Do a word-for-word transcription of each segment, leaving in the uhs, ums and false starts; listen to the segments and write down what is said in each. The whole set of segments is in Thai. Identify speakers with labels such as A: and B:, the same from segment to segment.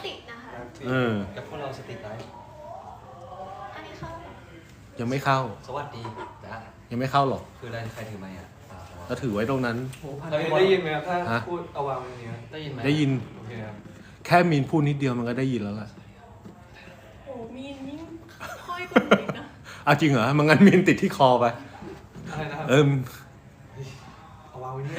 A: ติดนะคะ
B: เออ
C: แล้วพวกเราสติไลฟ์
A: อันนี้เข้า
B: ยังไม่เข้า
C: สวัสดีจ้า
B: ยังไม่เข้าหรอก
C: คืออะไรใครถือไมค์อ่ะ
B: ก็ถือไว้ตรงนั้น
D: ได้ยินไหมครับถ้าพูดเอาวางตรงนี้
C: ได้ยินไหม
B: ได้ยิน
D: โอเคครับ
B: แค่มีนพูดนิดเดียวมันก็ได้ยินแล้วล่ะ
A: โอ้มีนยิ่งค่อยกว่าหนูอีกนะ
B: เอาจริงเหรอมันงั้นมีนติดที่คอไป
D: อะไรนะครับ
B: เอิม
D: เอาวางไว้นี่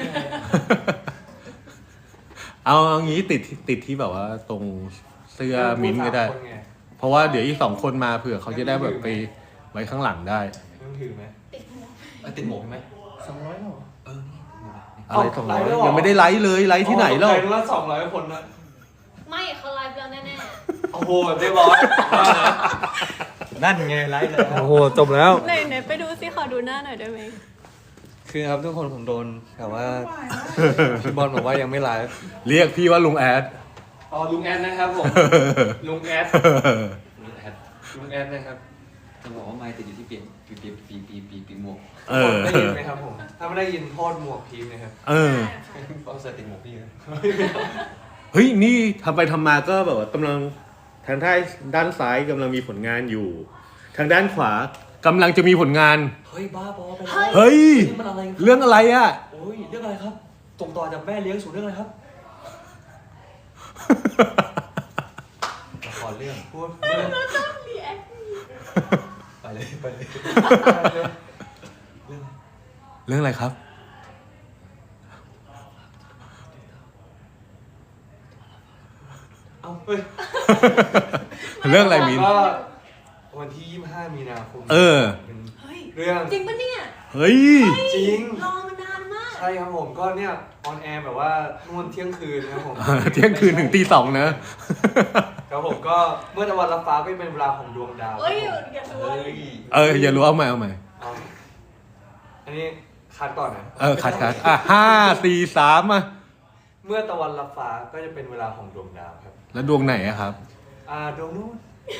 B: เอาเอางี้ติดติดที่แบบว่าตรงเสื้อมิ้นก็ได้เพราะว่าเดี๋ยวอีกสองคนมาเผื่อเขาจะได้แบบไปไว้ข้างหลังได้
D: ต้องถือไหม
A: ติดหมวก
C: ติดหมวกใช่ไหม
D: สองร้อยหรอ
C: เออ
B: อะไรสองร้อยยังไม่ได้ไลฟ์เลยไลฟ์ที่ไหนเล่า
D: ไลฟ์ละสองร้อยคนนะ
A: ไม่เขาไลฟ์แล้วแน่
D: ๆโอ้โหเรียบร้อย
C: นั่นไงไลฟ์แล้ว
D: โอ้โหจบแล้ว
A: ไหนไหนไปดูสิขอดูหน้าหน่อยได้ไหม
C: คือครับทุกคนผมโดนแต่ว่าพี่บอลบอกว่ายังไม่ไลฟ์
B: เรียกพี่ว่าลุงแอด
D: อ๋อลุงแอดนะครับผมลุงแอดลุงแอดลุงแอดนะครับ
C: จะบอกว่าไมค์ติดอยู่ที่ปีปีปีปีปีปีปีหมวก
B: เออ
D: ได้ยินไหมครับผมถ้าไม่ได้ยินโทษหมวกพีมนะครับ
B: เออ
C: เอาใส่ติดหมวกพี่นะ
B: เฮ้ยนี่ทำไปทำมาก็แบบว่ากำลังทางด้านด้านซ้ายกำลังมีผลงานอยู่ ทางด้านขวากำลังจะมีผลงาน
C: เฮ้ยบ้าบอไป
B: เฮ้ย
C: มันอะไร
B: เรื่องอะไรอ่ะ
C: โอ้ยเรื่องอะไรครับตรงต่อจากแม่เลี้ยงสู่เรื่องอะไรครับละครเรื่อง
D: พูด
A: เรื่องต้องรีแอค
C: ไปเลยไปเลย
B: เรื่องเรื่องอะไรครับ
D: เอาเฮ้ย
B: เรื่องอะไรมิ้น
D: ก็วันที่ยี่สิบห้ามีนาคม
B: เออ
D: เรื่อง
A: จริงปะเนี่ย
B: เฮ้ย
D: จริง
A: รอมานานมาก
D: ใช่ครับผมก็เนี่ยออนแอร์แบบว่านู่นเที่ยงคืนนะครับผม
B: เที่ยงคืนถึงตีสอง
D: นะครับผมก็เมื่อตะวันรับฟ้าก็เป็นเวลาของดวงดาว
A: เอ้ยอย่ารู้
B: เอออย่ารู้เอาใหม่เอาใหม่
D: อันนี้คัดก่อนนะ
B: เออคัดคัดอ่ะห้าสี่สามอ่ะ
D: เมื่อตะวันรับฟ้าก็จะเป็นเวลาของดวงดาวครับ
B: แล้วดวงไหนอะครับ
D: อ่าดวงนู้น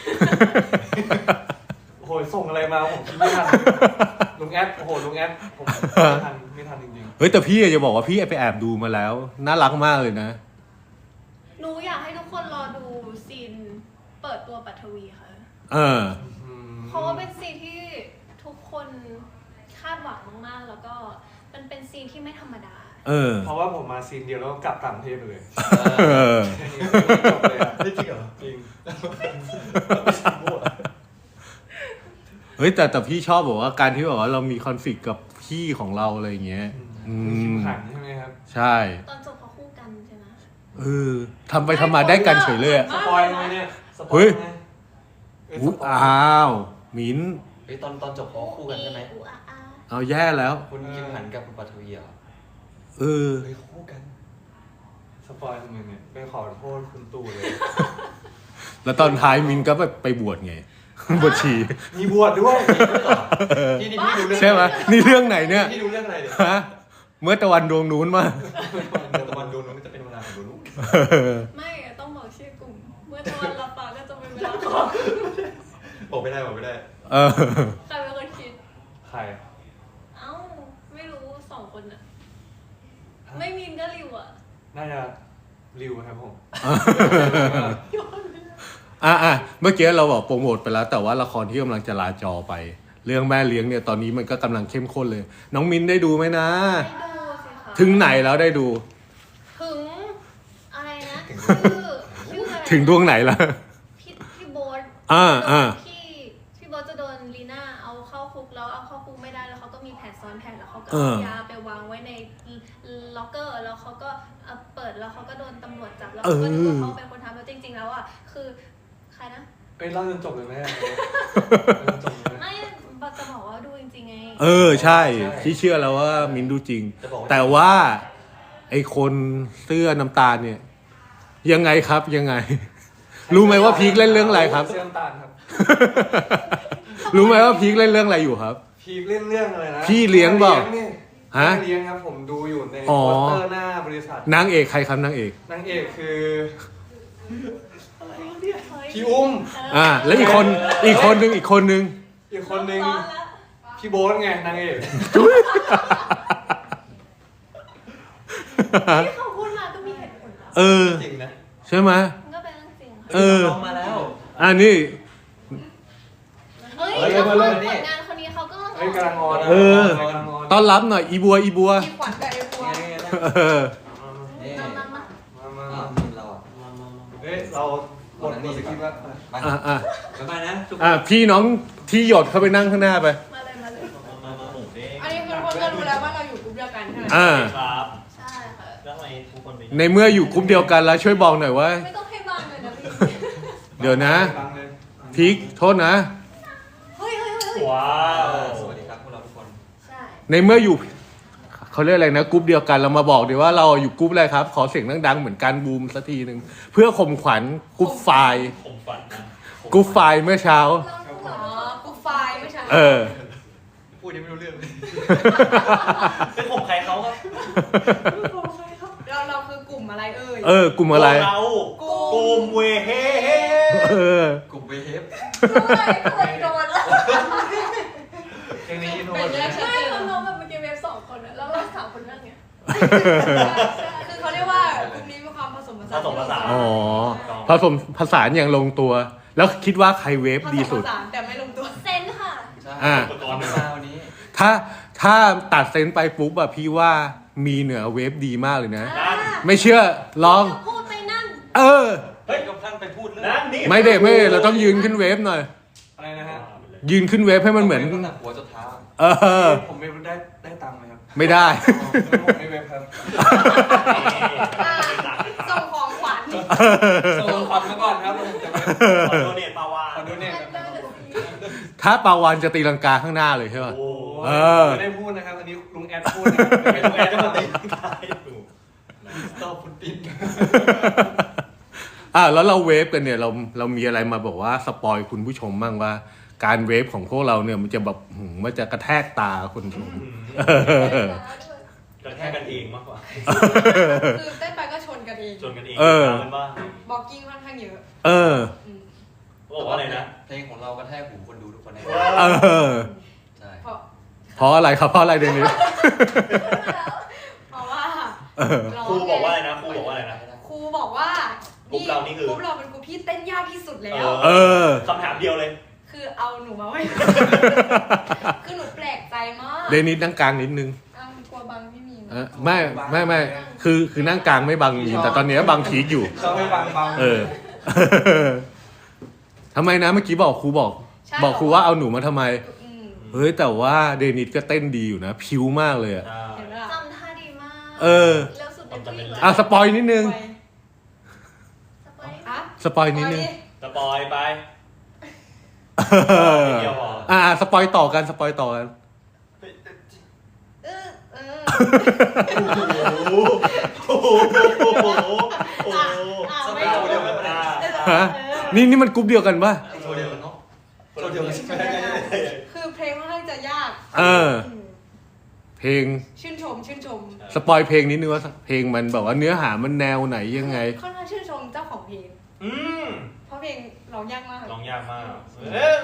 D: โอ้โหส่งอะไรมาผมคิดไม่ทันลุงแอดโอ้โหลุงแอดผมไม่ทันไม่ทันจริง
B: ๆเฮ้ยแต่พี่จะบอกว่าพี่ไปแอบดูมาแล้วน่ารักมากเลยนะ
A: หนูอยากให้ทุกคนรอดูซีนเปิดตัวปัทวีค่ะ
B: เออ
A: เพราะว่าเป็นซีนที่ทุกคนคาดหวังมากๆแล้วก็มันเป็นซีนที่ไม่ธรรมดา
B: เออ
D: เพราะว่าผมมาซีนเดียวแล้วก็กลับต่างประเทศเลยจบเลยอ่ะ
C: จริงเหรอ
D: จริง
B: เฮ้ยแต่แต่พี่ชอบบอกว่าการที่บอกว่าเรามีคอนฟ lict กับพี่ของเราอะไรอย่างเงี้ย
D: อืมขันใช่ไหมครับ
B: ใช่
A: ตอนจบเขาคู่กันใช่ไหม
B: เออทำไปทำมาได้กันเฉยเลยอะ
D: สปอยล์ไงเนี่ย
B: เฮ้ยอ้าวมิ้น
C: เฮ้ยตอนตอนจบเขาคู่กันใช่ไหม
B: เอาแย่แล้ว
C: คุณคิมหันกับคุณปัทวีเหรอ
B: เออ
C: เฮ้ยคู่กัน
D: สปอยล์ทำไมเนี่ยไปขอโทษคุณตู่เลย
B: แล้วตอนท้ายมินก็แบบไปบวชไงบวชชี
D: มีบวชด้วย
C: นี่นี่พี่ดูเรื่อง
B: ใช่ไหมนี่เรื่องไหนเนี่ย
C: พี่ดูเรื่องอะไรเนี่ย
B: ฮะเมื่อตะวันดวงนู้นมา
C: เมื่อตะวันดวงนู้นจะเป็นเวลาของดวงนู้น
A: ไม่ต้องบอกชื่อกลุ่มเมื่อตะวันรับฟ้าก็จะเป็นเวลาของ
C: บอกไม่ได้บอกไม่ได้
B: เออ
A: ใครเป็นคนคิด
D: ใคร
A: เอ้าไม่รู้สองคนอะไม่มีนก็ริวอะ
D: น่าจะริวครับผม
B: อ่ะอ่ะเมื่อกี้เราบอกโปรโมทไปแล้วแต่ว่าละครที่กำลังจะลาจอไปเรื่องแม่เลี้ยงเนี่ยตอนนี้มันก็กำลังเข้มข้นเลยน้องมินได้ดูไหมนะ
A: ได้ดูสิคะ
B: ถึงไหนแล้วได้ดู
A: ถึงอะไรนะชื่อชื่ออะไร
B: ถึงดวงไหนล่ะ
A: พี่พี่โบ๊ท
B: อ่าอ่า
A: พี่พี่โบ๊ทจะโดนลีน่าเอาเข้าคุกแล้วเอาเข้าคุกไม่ได้แล้วเขาก็มีแผนซ้อนแผนแล้วเขาก็เอายาไปวางไว้ในล็อกเกอร์แล้วเขาก็เปิดแล้วเขาก็โดนตำรวจจับแล้วเขาก็นึกว่าเขาเป็นคนทำแล้วจริงๆแล้วอ่ะคือใครนะ
D: เอ้ยเล่าจนจบเลยไหม
A: ไม่บัตจะบอกว่าดูจริงๆไง
B: เออใช่ที่เชื่อแล้วว่ามินดูจริงแต่ว่าไอคนเสื้อน้ำตาลเนี่ยยังไงครับยังไงรู้ไหมว่าพีคเล่นเรื่องอะไรครับ
D: เสื้อน้ำตาลครับ
B: รู้ไหมว่าพีคเล่นเรื่องอะไรอยู่ครับ
D: พีคเล่นเรื่องอะไรนะ
B: พี่เลี้ยงบอก
D: ฮะเลี้ยงครับผมดูอยู่ในโปสเตอร์หน้าบริษัท
B: นางเอกใครครับนางเอก
D: นางเอกคือพี่อุ้ม
B: อ่าแล้วอีกคนอีกคนนึงอีกคนนึง
D: อีกคนนึงพี่โบ๊ทไงนางเอก
A: ที่เขาพูดมาก็มีเหตุผล
B: เออ
C: จริงนะ
B: ใช่ไหม
A: มันก็เป็นเรื่องจริง
B: เออ
C: น้องมาแล้ว
B: อ่านี่
A: เอ้ย
B: เอ้ย
A: แล้ว
B: มา
A: ค
B: เลย
A: นผลงานคนนี้เขาก็
D: เฮ้ยกำลังออน
B: เออ
D: กำลังออน
B: ต้อนรับหน่อยอีบัวอีบัว
E: มีขวัญกับไอ้บัว
B: เออ
C: นี่
A: มามามา
D: มามา
C: อ้าว
D: มา
C: มีเราอ่ะ
D: เฮ้ยเราหมดหมดสกิปแล้ว
C: ไป
B: อ่ะอ่ะ
C: บ๊ายบายนะทุกคน
B: อ่ะพี่น้องที่หยดเข้าไปนั่งข้างหน้าไป
A: มาเลยมาเลย
F: มามาหมูเด้ง
E: อันนี้คือทุกคนก็รู้แล้วว่าเราอยู่กลุ่มเดียวกันใช่ไหม
B: อ่า
F: ครับ
A: ใช่ค่ะ
F: แล้วทำไมทุกคนไป
B: ในเมื่ออยู่กลุ่มเดียวกันแล้วช่วยบอกหน่อยว่า
A: ไม่ต้องให้บางเลยนะพี่
B: เดี๋ยวนะ
D: บังเลย
B: พีคโทษนะ
A: เฮ้ยเฮ้ยเฮ้ย
F: ว้า
C: เอ
F: ว
C: อสวัสดีครับพวกเราทุกคน
A: ใช่
B: ในเมื่ออยู่เขาเรียกอะไรนะกลุ่มเดียวกันเรามาบอกดีว่าเราอยู่กลุ่มอะไรครับ ขอเสียงดังๆเหมือนกันบูมสักทีหนึ่งเพื่อข่มขวัญกลุ่มไฟล์
F: ผมฝันนะ
B: กลุ่มไฟล์เมื่อเช้า
E: อ๋อกลุ่มไฟล์ไม่ใช่
B: เออ
C: พูดยังไม่รู้เรื่องเลย
F: เป็นผมใครเขาครับ
E: เราเราคือกลุ่มอะไรเอ่ย
B: เออกลุ่มอะไร
F: พวกเรากลุ่มเวเฮเฮ
B: เออ
C: กลุ่มเวเฮฟ
A: ด้วยเคยโดนแล้ว
D: เพลงนี้โน้
E: เป็น
D: ต
E: แยกชัด
A: ใช่
E: เจน
A: เราน้องแบบเมื่อกี้เวฟสองคนอะแล้วเราสามคนนั่งเนี้ย
E: คือเขาเรียกว่ากลุ่มนี้มีความผสมผสาน
F: ผสมผสาน
B: อ๋อผสมผสานอย่างลงตัว แล้วคิดว่าใครเวฟ
E: ผ
B: ดี
E: ส
B: สุ
E: ม
B: ด
E: ผสานแต่ไม่ลงตัว
A: เซนค่ะ
C: ใช่
B: อ่ะ
C: อุปกรณ์มาวันนี้
B: ถ้าถ้าตัดเซนส์ไปปุ๊บอะพี่ว่ามีเหนือเวฟดีมากเลยนะ
F: นั่น
B: ไม่เชื่อลอง
A: พูดไปนั่น
B: เออ
C: เฮ้ยก็พลันไปพูดเรื่อง
F: นั่นนี่
B: ไม่เด็กไม่เด็กเราต้องยืนขึ้นเวฟหน่อย
D: อะไรนะฮะ
B: ยืนขึ้นเวฟให้มันเหมือน
C: ตั้งแต่หัวจนเท้า
B: เออ
D: ผมไม่ได้ได้ตังค์ไหมครับ
B: ไม่ได้
D: ผมไม่เว็บครับ
E: อ่าส่งของขวัญ
D: ส่งขวัญมาก่อนครับผมจะไป
F: ขอโดเนทปาวา
D: ขอดูเนี่ยครับ
B: ถ้าปาวานจะตีลังกาข้างหน้าเลยใช่ป่ะ
F: โอ้
B: เออ
D: ไม่ได้พูดนะครับอันนี้ลุงแอดพูดนะครับไม่
F: ไม่
D: ใช่
F: ต้
D: ลุ
F: อง
D: ง
F: แอ
D: แอ
F: ด
D: ด
F: จะ
D: จะ
F: มา
D: มา
F: ตี
D: ตี
F: ตายอยู่
C: สตอฟุตติน
B: อ่ะแล้วเราเวฟกันเนี่ยเราเรามีอะไรมาบอกว่าสปอยคุณผู้ชมบ้างว่า การเวฟของพวกเราเนี่ยมันจะแบบหืมมันจะกระแทกตาคนชมเออ
F: กระแทกกันเองมากกว่า
E: คือเต้นไปก็ชนกันเอง
F: ชนกันเอง
B: เออ
F: กันบ้าง
E: บอกกิ้งค่อนข้างเยอะ
B: เออ
E: อืม
F: บอกว่าอะไรนะ
C: เพลงของเรากระแทกหูคนดูทุกคนแน่
B: เออ
C: ใช่
E: เพราะ
B: เพราะอะไรครับเพราะอะไรเดยวนี้
E: เพราะว่า
B: เออ
E: ร้ง
F: ครูบอกว่าอะไรนะครูบอกว่าอะไรนะ
E: ครูบอกว่าก
F: ลุ่มเรานี่คือ
E: กลุ่มเราเป็นกลุ่มที่เต้นยากที่สุดแล้ว
B: เออ
F: คำถามเดียวเลย
E: คือเอาหนูมาไว้ คือหนูแปลกใจมาก
B: เดนิสนั่งกลางนิดนึง
E: อ้าวกลัวบังพี่มีน
B: เออไม่ไม่ไม่คือคือนั่งกลางไม่บังมีนแต่ตอนเนี้ยบังพีคอยู่
D: เขาไม่บังบัง
B: เออ ทำไมนะเมื่อกี้บอกครูบอก
E: ใช่
B: บอกครูว่าเอาหนูมาทำไม
E: อืม
B: เฮ้ยแต่ว่าเดนิสก็เต้นดีอยู่นะพิ้วมากเลยอะ
E: เห็นไหมล่ะ
A: จำท่าดีมาก
B: เออ
A: เร็วสุดในผู้หญิงเลย
B: อ่ะสปอยนิดนึง
A: สปอย
E: อะ
B: สปอยนิดนึง
F: สปอยไป
B: เออ
F: เดียวพอ
B: อ่ะสปอยต่อกันสปอยต่อกัน
E: เออเออ
F: โอ้โหโอ้โหโอ้โหโอ้โห
E: อ่ะ
C: ส
E: ไม่
C: มัย
E: รู้
C: เดียวกันนะ
B: ฮะนี่นี่มันกรุ๊ปเดียวกันป่ะ
C: โชว์เดียวกันเนาะโชว์เดียวกันใช่ไหม
E: คือเพลงค่อนข้างจะยาก
B: เออ
E: ม
B: เพลง
E: ชื่นชม ชื่นชม
B: สปอยเพลงนิดนึงว่าเพลงมันแบบว่าเนื้อหามันแนวไหนยังไง
E: ค่อนข้างชื่นชมเจ้าของเพลง
F: อืม
E: เพราะเพลงร้องยากมาก
F: ร้องยากมากเอ๊ะ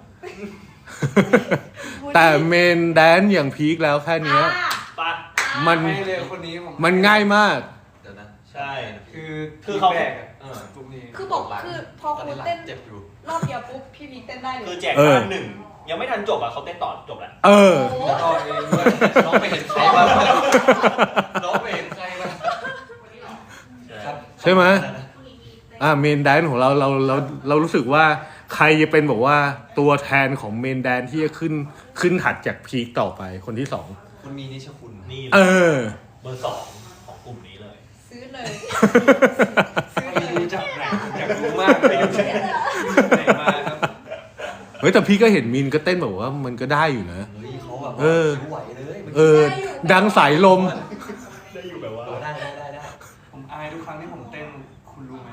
B: แต่เมนแดนอย่างพีคแล้วแค่เนี้ย
E: อ่ะ
F: ปะ
B: มัน
D: ให้เลยคนนี้ผม
B: มันง่ายมาก
C: เดี๋ยวนะ
F: ใช่
D: คือ
F: คือเขา
D: แรกอะ
C: เออ
D: กลุ่มนี้
E: คือบอกคือพอ
C: ตอน
E: ครู
C: นี้หลัง
E: เต้น
C: เจ็บอยู่
E: รอบเดียวปุ๊บพี่พีคเต้นได้เล
F: คือย แจกบ้านหนึ่งยังไม่ทันจบอ่ะเขาเต้นต่อจบแล้ว
B: เออ
E: โอ้
D: แล้วก็เองด้วย
C: น้องไปเห็นใครบ้างน้องไปเห็นใครบ้างครับ
B: ใช่ไหม อ่าเมนแดนของเราเราเราเรารู้สึกว่าใครจะเป็นบอกว่าตัวแทนของเมนแดนที่จะขึ้นขึ้นถัดจากพีคต่อไปคนที่สอง
C: คุณมีนิชคุณ
F: นี่
B: เออ
F: เบอร์สองของกลุ่มนี้เลย
E: ซื้อเลย ซื้อ
D: ไม่
E: เลย
D: รู้จักไหนอยากรู้มากเลยไหนมาครับ
B: เฮ้ยแต่พี่ก็เห็นมินก็เต้นแบบว่ามันก็ได้อยู่นะ
C: เฮ้ยเขาแบบ
B: เออ
C: ผิวไหวเลยมัน
B: เออ ดังสายลม
F: ได้อยู่แบบว่า
C: ได้ได้ได้ได้
D: ผมอายทุกครั้งที่ผมเต้นคุณรู้ไหม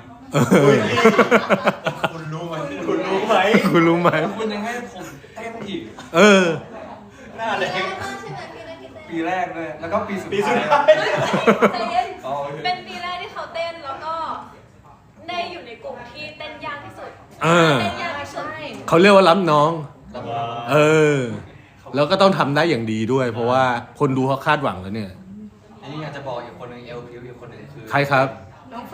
C: คุณรู้ไหม
F: คุณรู้ไหม
B: คุณรู้ไหม
D: แล้วคุณยังให้ผมเต้นอีก
B: เออ
F: หน้าเลย
A: ใช่ไหมพี่ได้ที่เต้น
D: ปีแรกเลยแล้วก็ปีสุด
F: ปีสุด
D: ท้าย
F: ท้าย
A: ใจเย็น
D: อ๋อโอเค
A: เป็นปีแรกที่เขาเต้นแล้วก็ได้อยู่ในกลุ่มที่เต้นยากที่สุด
B: อ่า
A: เต้นยากที่สุด
B: เขาเรียกว่ารับน้อง
C: รับ
B: เออ แล้วก็ต้องทำได้อย่างดีด้วย เพราะว่าคนดูเขาคาดหวังแล้วเนี่ย
C: อันนี้อยากจะบอกอีกคนหนึ่งเอลพิวอีกคนหนึ่งคือ
B: ใครครับ
E: น้องเฟรน
F: น้อง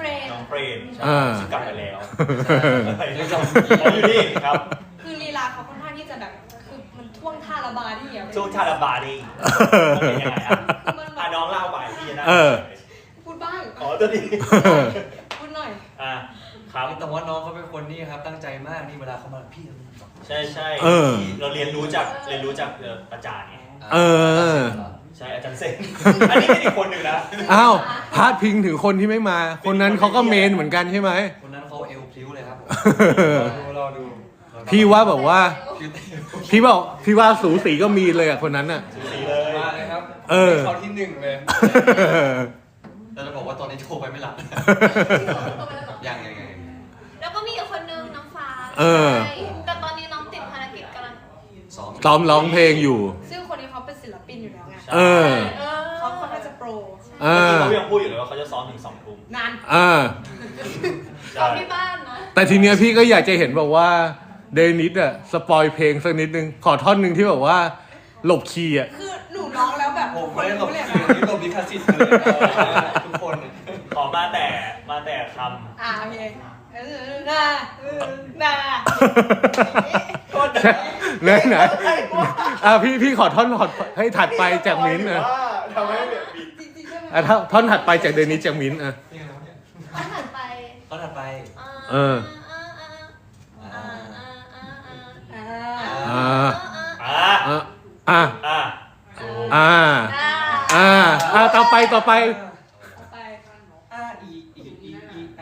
F: เฟรน
B: อ่า
F: ซึ่งกลับไปแล้ว
C: ยังจำ
F: เขาอยู่นี่ครับ
E: คือลีลาเขาค่อนข้างที่จะแบบคือมันท่วงท่าระบายที่เดียว
F: ช่วงชาลาบาดีเป็นยังไงอ่ะ
E: คือมันแบ
F: อ่ะ
E: บ
F: น้องเล่าไปพี่จะนั่ง
B: เออ
E: พูดบ้าง
F: ขอตัวดี
E: พูดหน่อย
F: อ่ะครับ
C: แต่ว่าน้องเขาเป็นคนนี่ครับตั้งใจมากนี่เวลาเขามาพี่
F: ใช่ใช่
B: เออ
F: เราเรียนรู้จากเรียนรู้จากเอ่ออาจารย์ไง
B: เออ
F: ใช่อาจารย์เซนอันนี้เป็นอีกคนหนึ่งนะ
B: อ้าวพาดพิงถึงคนที่ไม่มา คนนั้นเขาก็เมนเหมือนกันใช่ไหม
C: คนนั้นเขาเอวพลิ้วเลยครับ
D: ดูรอดู
B: พี่ว่าแบบว่า
C: คือ
B: พี่บอกพี่ว่าสูสีก็มีเลยอ่ะคนนั้นอ่ะ
F: สูสีเลย
D: มาเลยครับ
B: เออ
D: เขาที่หนึ่งเลย
C: แต่จะบอกว่าตอนนี้โทรไปไม่รับยังยังยัง
A: แล้วก็มีอีกคนนึงน้องฟ้า
B: เออ
A: ใช่แต่ตอนนี้น้องติดภารกิจกำลัง
C: ซ้อม
B: ซ้อมร้องเพลงอยู่
E: ซึ่งคนนี้เขาเป็นศิลปินอยู่แล้วไง
B: เออ
A: เออ
E: เขาค่อนข้างจะโปร
B: เอ
F: เมื่อ
B: อ
F: กี้เขายังพูดอยู่เลยว่าเขาจะซ้อมถึงสองทุ่ม
E: นาน
B: อ่า
A: ซ้อมที่บ้านนะ
B: แต่ทีเนี้ยพี่ก็อยากจะเห็นแบบว่าเดนิสอะสปอยเพลงสักนิดนึง ขอท่อนหนึ่งที่แบบว่าหลบคีย์อะ
E: คือหนูร้องแล้วแบบ
C: ผม
E: ค
C: ไม่
E: น
C: ได้หลบ
E: รู้เลย
C: คิว
E: นะ
C: นี่หลบลิขสิทธิ์เลยทุกคน
F: ขอมาแต่มาแต่ค
E: อ่าโอเคเออน่าเออน่า
F: ำโทษนะ
B: ไหนไหนอ่ะพี่พี่ขอท่อนถอดให้ถัดไปจากมิ้นท์อะ
F: ทำให้แบบบิด
E: จริงๆใช่ไหม
B: อ่ะท่อนท่อนถัดไปจากเดนิสจากมิ้นท์อะ
C: นี่ไงแล้วเนี่ย
A: ข้อถัดไป
C: ตอนถัดไป
B: เออ
A: อ่าอ่าอ่าอ่า
E: อ่า
B: อ่า
F: อ่ะ
B: อ่ะอ่ะ
F: อ่ะ
B: อ่า
A: อ่า
B: อ่าอ่าต่อไปต่อไป
E: ต่อไป
C: อาอีอีอีอีอา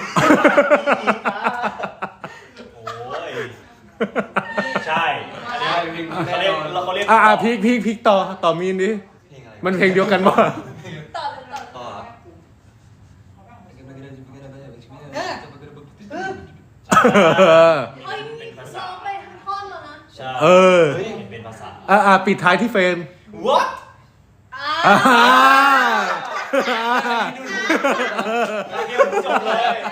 F: โอ้ยใช่อันนี้
D: ใช่เพลง
F: เขาเรียกเราเขาเรียก
B: อ่าอ่าพีกพีกพีกต่อต่อมีนดิ
C: เพลงอะไร
B: มันเพลงเดียวกันป่ะ
A: ต่อเลยต่อ
C: ต่อ
B: เออ
A: เฮ้ยซ้อมไปทั้งท่อนแล้วนะ
F: ใช่
B: เออ
F: เฮ้ยเห็นเป็นภาษา
B: อ่าอ่าปิดท้ายที่เฟรม
F: what
B: อ่า
F: เดี๋ยวจบเลย
E: ใช่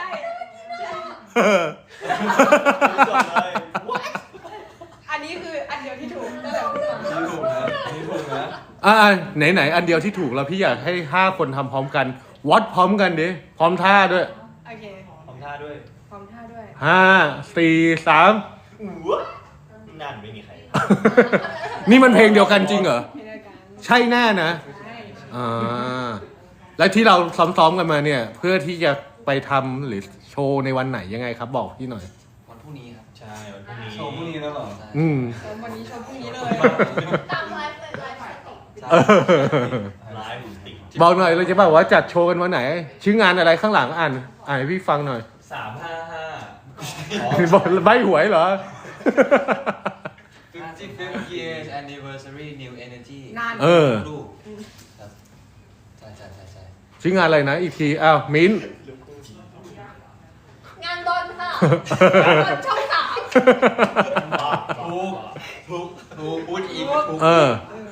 F: จบเลย what
E: อันนี้คืออันเดียวที่ถูกตั้งแต่พูดมา
D: นี่ถูกนะนี่ถูกนะ
B: อ่าไหนไหนอันเดียวที่ถูกแล้วพี่อยากให้ห้าคนทำพร้อมกัน วัดพร้อมกันดิพร้อมท่าด้วย
E: โอเค
F: ทำท่าด้วย
E: พร้อมท่าด้วย
B: ห้าสี่สาม
F: what นั่นไม่มีใคร
B: นี่มันเพลงเดียวกันจริงเหรอ
E: ไม่ได้กัน
B: ใช่แน่นะ
E: ใช่
B: อ่าแล้วที่เราซ้อมๆกันมาเนี่ย เพื่อที่จะไปทำหรือโชว์ในวันไหนยังไงครับบอกพี่หน่อย
C: วันพรุ่งนี้ครับ
F: ใช่วันพรุ่งนี้
D: โชว์พรุ่งนี้แล้วเหรอ
B: อืม
E: ชมวันนี้ชมพรุ่งนี้เลย
A: ตามไลฟ์เลยไลฟ์สติ
B: เออ
F: ไลฟ์ติด
B: บอกหน่อยเราจะบอกว่าจัดโชว์กันวันไหน ชื่องานอะไรข้างหลังอ่านอ่านให้พี่ฟังหน่อย
F: สามห้าห้า
B: บอกใบหวยเหรอ
C: fifty-fifth years anniversary new energy
E: นาน
B: เออ
C: ลูกครับใช่ใช่ใช่ใช่
B: ชื่องานอะไรนะอีกทีอ้าวมิ้น
A: งานบอลค่ะงานบอลช่องสาม
C: ถูกถูกถูกพูดอีกถูก
B: เออ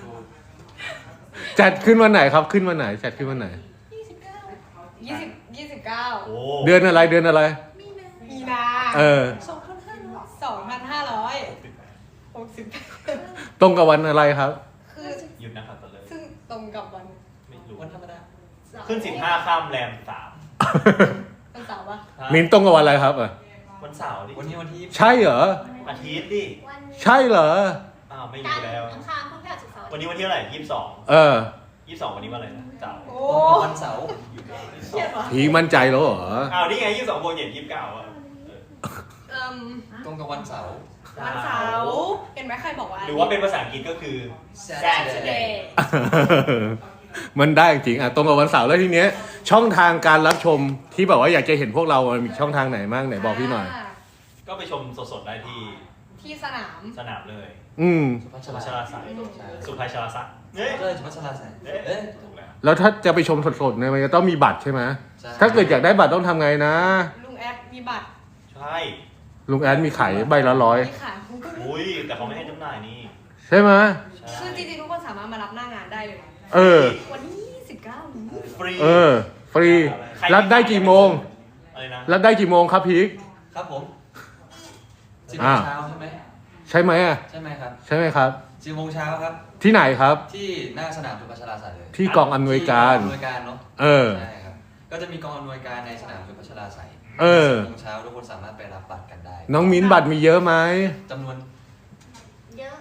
B: จัดขึ้นวันไหนครับขึ้นวันไหน จัดขึ้นวันไหน
A: ยี่สิบเก้า
E: ยี่สิบยี่สิบเก้า
F: โอ้
B: เดือนอะไรเดือนอะไร
A: มีนา
E: มีนา
B: เออ
A: สองพันห้าร้อย
E: สองพันห้าร้อยหกสิบ
B: ตรงกับวันอะไรครับ
E: คือ
F: หยุดนะครับต่อเลย
E: ซึ่งตรงกับวัน
F: ไม่รู้
C: วันธรรมดา
F: ขึ้นสิบห้าข้ามแรมสาม
E: วันเสาร์ปะ
B: มิ้นตรงกับวันอะไรครับอ่ะ
F: วันเสาร์ดิ
C: วันนี้วันที่
B: ใช่เหรอ
F: อาทิตย์ดิ
A: วัน
B: ใช่เหรอ
F: อ้าวไม่
A: จั
F: รู้
A: นทร์
F: แล้ว
A: อังคารพุธพฤหัสศุกร์เสาร์
F: วันนี้วันที่เท่าไหร่ยี่สิบสอง
B: เออ
F: ยี่สิบสองวันนี้วันอะไรนะเสาร์
E: โอ้
C: ตรงกับวันเสาร์
E: เครียดปะ
B: พีมั่นใจแล้วเหรอ
F: อ้าวนี่ไงยี่สิบสองบวกเจ็ดยี่สิบเก้าอ่ะ
E: เอิ่ม
C: ตรงกับวันเสาร์
E: วันเสาร์เห็นไหมใครบอกว่า
F: หรือว่าเป็นภาษาอังกฤษก็คือ
E: Saturday
B: มันได้จริงอ่ะตรงกับวันเสาร์แล้วทีเนี้ย ช่องทางการรับชมที่แบบว่าอยากจะเห็นพวกเรามันมีช่องทางไหนบ้างไหนบอกพี่หน่อย
E: า
F: ก็ไปชมสดๆได้ที่
E: ที่สนาม
F: สนามเลย
B: อืม
C: สุภัช
F: สุ
C: รา
F: ภาชราศักดิ์สุภาชราศักดิ์เฮ้ย
C: เอ้ยสุภัชราใส่
F: เอ๊ะ
C: เอ๊ะ
F: ถูกแล้ว
B: แล้วถ้าจะไปชมสดๆเนี่ยมันจะต้องมีบัตรใช่ไหม
C: ใช่
B: ถ้าเกิดอยากได้บัตรต้องทำไงนะ
E: ลุงแอดมีบัตร
F: ใช่
B: ลุงแอดมีขายใบละร้อย
E: มีขาย
F: อุ้ยแต่เขาไม่ให้จำหน่ายนี่
B: ใช่ไหม
F: ใช่
E: คือจริงๆทุกคนสามารถมารับหน้างานได้เลย
B: เออ
E: วันที่ยี่สิบเก้านี้
F: ฟรี
B: เออ ฟรีรับได้กี่โมง
F: อะไรนะ
B: รับได้กี่โมงครับพีค
C: ครับผมสิบโม
B: อ่า
C: งเช้าใช่ไหม
B: ใช่ไหมอ่ะ
C: ใช่ไหมครับ
B: ใช่ไหมครับ
C: สิบโมงเช้าครับ
B: ที่ไหนครับ
C: ที่หน้าสนามสุภัชราใส่เลย
B: ที่กองอำนวยการ
C: ที่กองอำนวยการเนาะ
B: เออ
C: ใช่ครับก็จะมีกองอำนวยการในสนามสุพัชราไสย
B: เออ
C: สิบโมงเช้าทุกคนสามารถไปรับบัตรกันได้
B: น้องมิ้นบัตรมีเยอะไหม
C: จำนวน
A: เยอะ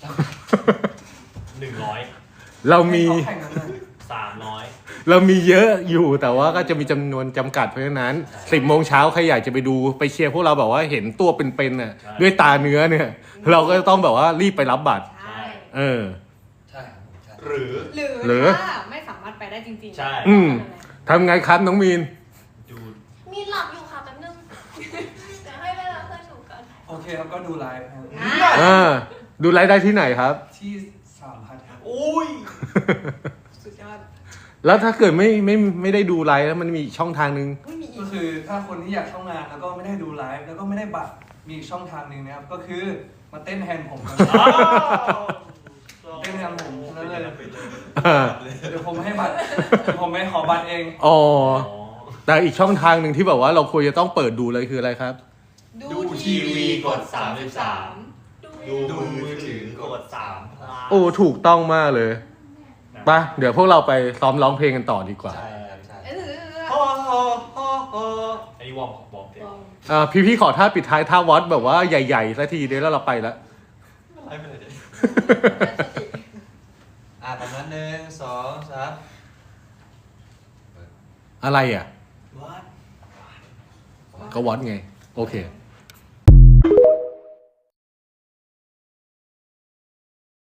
F: หนึ่งร้อย
B: เรามี
D: ให้เขาแข่งกันเลย
F: สามร้อย
B: เรามีเยอะอยู่แต่ว่าก็จะมีจำนวนจำกัดเพราะฉะนั้นสิบโมงเช้าใครอยากจะไปดูไปเชียร์พวกเราแบบว่าเห็นตัวเป็นๆน่ะด้วยตาเนื้อเนี่ย เราก็ต้องแบบว่ารีบไปรับบัตร
E: ใช่
B: เออ
C: ใช่ครับผมใช่
F: หรือ
E: หรือ
B: หรือ
E: ถ้าไม่สามารถไปได้จริงๆ
F: ใช่
B: อืมทำไงครับน้องมีน
F: ดู
A: มีหลับอยู่ค่ะแป๊บนึงเดี๋ยวให้เวลาเพื่อนหนูก่อน
D: โอเคครับก็ดูไลฟ์ครับ
E: อ่ะ
B: อ่าดูไลฟ์ได้ที่ไหนครับ
D: ที่สามพันครับ
F: อุ้ย
E: สุดยอด
B: แล้วถ้าเกิดไม่ไม่ไม่ได้ดูไลฟ์แล้วมันมีอีกช่องทางนึง
E: ไม่มีอี
D: ก็
E: ก
D: คือถ้าคนที่อยากเข้างานแล้วก็ไม่ได้ดูไลฟ์แล้วก็ไม่ได้บัตรมีอีกช่องทางหนึ่งนะครับก็คือมาเต้นแทนผมครับ เต้นแทนผมฉะนั้นเลย
B: อ่า
D: เดี๋ยวผมให้บัตรเดี๋ยวผมไม่ขอบัตรเอง
B: อ๋อ
F: อ๋อ
B: แต่อีกช่องทางหนึ่งที่แบบว่าเราควรจะต้องเปิดดูเลยคืออะไรครับ
F: ดูทีวีกดสามสิบสาม
A: ดู
F: ดูมือถือกดสามพลัส
B: โอ้ถูกต้องมากเลยไปะเดี๋ยวพวกเราไปซ้อมร้องเพลงกันต่อดีกว่า
C: ใช่ครับใช่
E: เออ
F: โอ้โหโอ้โหอันนี้วอร์มวอร์มเต็ม
B: อ่าพี่พี่ๆขอท่าปิดท้ายท่าวอดแบบว่าใหญ่ๆสักทีเดี๋ยวแล้วเราไปแล้ว
C: ไลฟ์ไปเลยเดี๋ยวอ่ะประมาณหนึ่งสองสาม
B: อะไรอ่ะ
F: วัด
B: ก็วอดไง โอเค
E: เ